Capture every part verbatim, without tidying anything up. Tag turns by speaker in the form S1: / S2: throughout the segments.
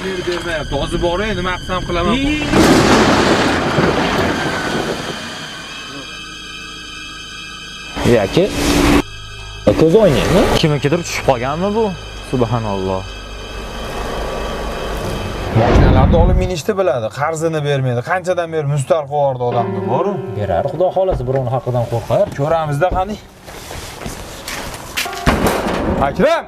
S1: berib bermayapti. Hozir boray, nima qilsam qilaman.
S2: Yoki ko'z o'ynaymi? Kimnikidir tushib qolganmi bu? Subhanalloh.
S1: Mashinalarni olib minishni biladi, qarzini bermaydi. Qanchadan beri mustar qo'yordi odamni, bor-ku.
S2: Berar, xudo xolasa birovning haqqidan qo'rqar.
S1: Ko'ramizda qani. Akram!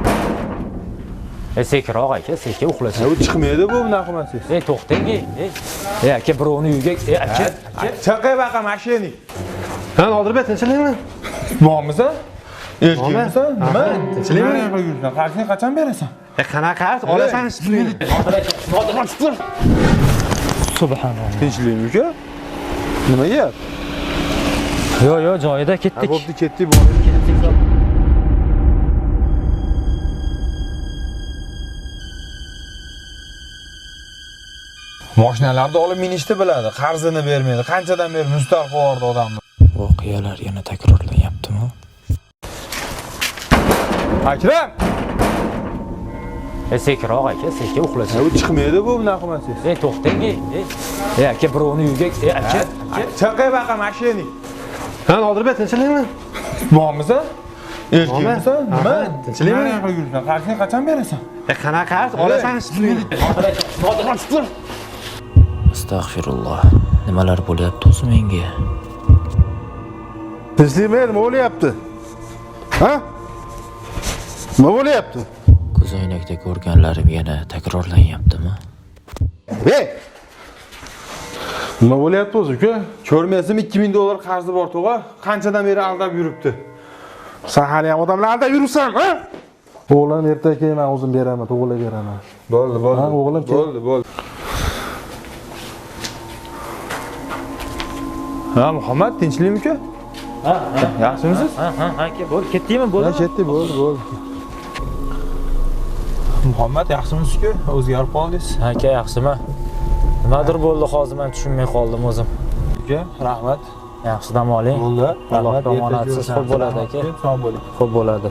S2: E sekroq aka, seka uxlasin.
S1: U chiqmaydi bu bunaqa qilmasangiz.
S2: Ey to'xtang, ey. Ey aka birovning uyiga, ey aka.
S1: Chaqay baqa mashining.
S3: Ha, Nodirbek, tinchlikmi?
S1: Bormisan? Elchimisan? Nima?
S3: Tinchlikmi?
S1: Nima yuribsan? Qarzini qachon berasan?
S3: E qanaqa? Olasan shprini.
S2: Nodirbek, tur. Subhanalloh.
S1: Tinchlikmi uka? Nima gap?
S2: Yo, yo, joyida ketdik.
S1: Bo'pti, ketdik, bordik. Mashinalarni olib minishni biladi, qarzini bermaydi. Qanchadan beri mustar qo'yordi odamni.
S2: Voqealar yana takrorlanyaptimi?
S1: Akram!
S2: E sekroq aka, seka uxlasin.
S1: U chiqmaydi bu bunaqa qilmasangiz.
S2: Ey to'xtang, ey. Ey aka birovning uyiga, ey aka.
S1: Chaqay baqa mashining.
S3: Ha, Nodirbek, tinchlikmi?
S1: Bormisan? Elchimisan? Nima?
S3: Tinchlikmi?
S1: Nima yuribsan? Qarzini qachon berasan?
S3: E qanaqa? Olasan shprini.
S2: Nodirbek, tur. Astagfirulloh. Nimalar bo'lyapti o'zi menga?
S3: Tinchlikmi? Nima bo'lyapti? Ha? Nima bo'lyapti?
S2: Ko'zoynakda ko'rganlarim yana takrorlanyaptimi?
S3: Hey! Nima bo'lyapti o'zi uka?
S1: Ko'rmaysizmi ikki ming dollar qarzi bor to'g'a? Qanchadan beri aldab yuribdi?
S3: Sen hali ham odamlar aldab yuribsan, ha? O'g'lim ertaga keyin men o'zim beraman, to'g'rilab beraman.
S1: Bo'ldi, bo'ldi.
S3: Ha, o'g'lim kel.
S1: Bo'ldi, bo'ldi. Ha, Muhammad, tinchlikmi uka?
S2: Ha,
S1: Yaxshimisiz?
S2: ha, ha, aka, bo'l, ketdingmi? Bo'ldi.
S1: Ha, ketdik, bo'ldi, bo'ldi. Muhammad, yaxshimisiz-ku? O'zgarib qoldingiz.
S2: Aka, yaxshimi? Nimadir bo'ldi, hozir men tushunmay qoldim o'zim.
S1: Uka, rahmat.
S2: Yaxshi dam oling.
S1: Bo'ldi.
S2: Alloh omonatsiz xo'p bo'ladi aka.
S1: Sog' bo'ling.
S2: Xo'p bo'ladi.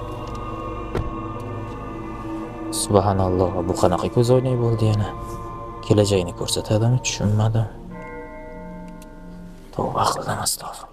S2: Subhanalloh, bu qanaqa ko'z o'ynak bo'ldi yana? Kelajagini ko'rsatadimi, tushunmadim. Tavba qildim, astag'firulloh.